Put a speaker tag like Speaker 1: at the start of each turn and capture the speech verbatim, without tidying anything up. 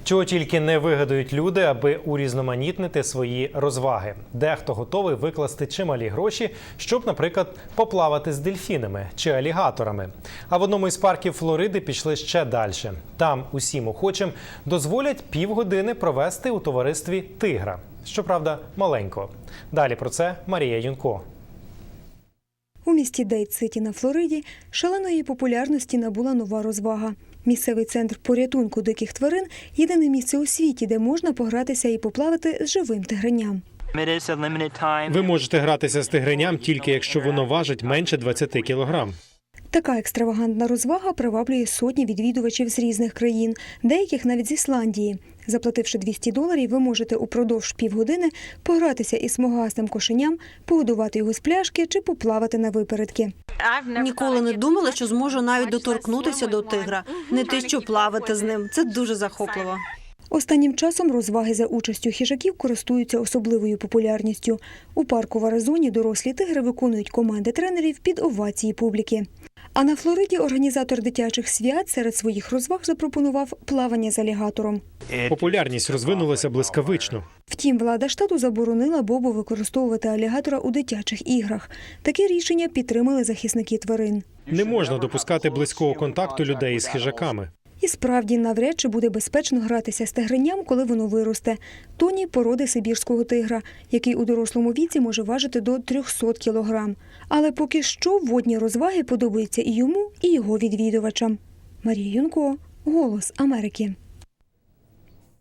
Speaker 1: Чого тільки не вигадують люди, аби урізноманітнити свої розваги. Дехто готовий викласти чималі гроші, щоб, наприклад, поплавати з дельфінами чи алігаторами. А в одному із парків Флориди пішли ще далі. Там усім охочим дозволять півгодини провести у товаристві тигра. Щоправда, маленького. Далі про це Марія Юнко.
Speaker 2: У місті Дейт-Ситі на Флориді шаленої популярності набула нова розвага. Місцевий центр порятунку диких тварин – єдине місце у світі, де можна погратися і поплавати з живим тигренням.
Speaker 3: Ви можете гратися з тигреням тільки якщо воно важить менше двадцяти кілограм.
Speaker 2: Така екстравагантна розвага приваблює сотні відвідувачів з різних країн, деяких навіть з Ісландії. Заплативши двісті доларів, ви можете упродовж півгодини погратися із смугастим кошеням, погодувати його з пляшки чи поплавати на випередки.
Speaker 4: Ніколи не думала, що зможу навіть доторкнутися до тигра. Не те, що плавати з ним. Це дуже захопливо.
Speaker 2: Останнім часом розваги за участю хижаків користуються особливою популярністю. У парку в Аризоні дорослі тигри виконують команди тренерів під овації публіки. А на Флориді організатор дитячих свят серед своїх розваг запропонував плавання з алігатором.
Speaker 3: Популярність розвинулася блискавично.
Speaker 2: Втім, влада штату заборонила Бобу використовувати алігатора у дитячих іграх. Таке рішення підтримали захисники тварин.
Speaker 3: Не можна допускати близького контакту людей із хижаками.
Speaker 2: І справді, навряд чи буде безпечно гратися з тигренням, коли воно виросте. Тоні – породи сибірського тигра, який у дорослому віці може важити до трьохсот кілограм. Але поки що водні розваги подобаються і йому, і його відвідувачам. Марія Юнко, «Голос Америки».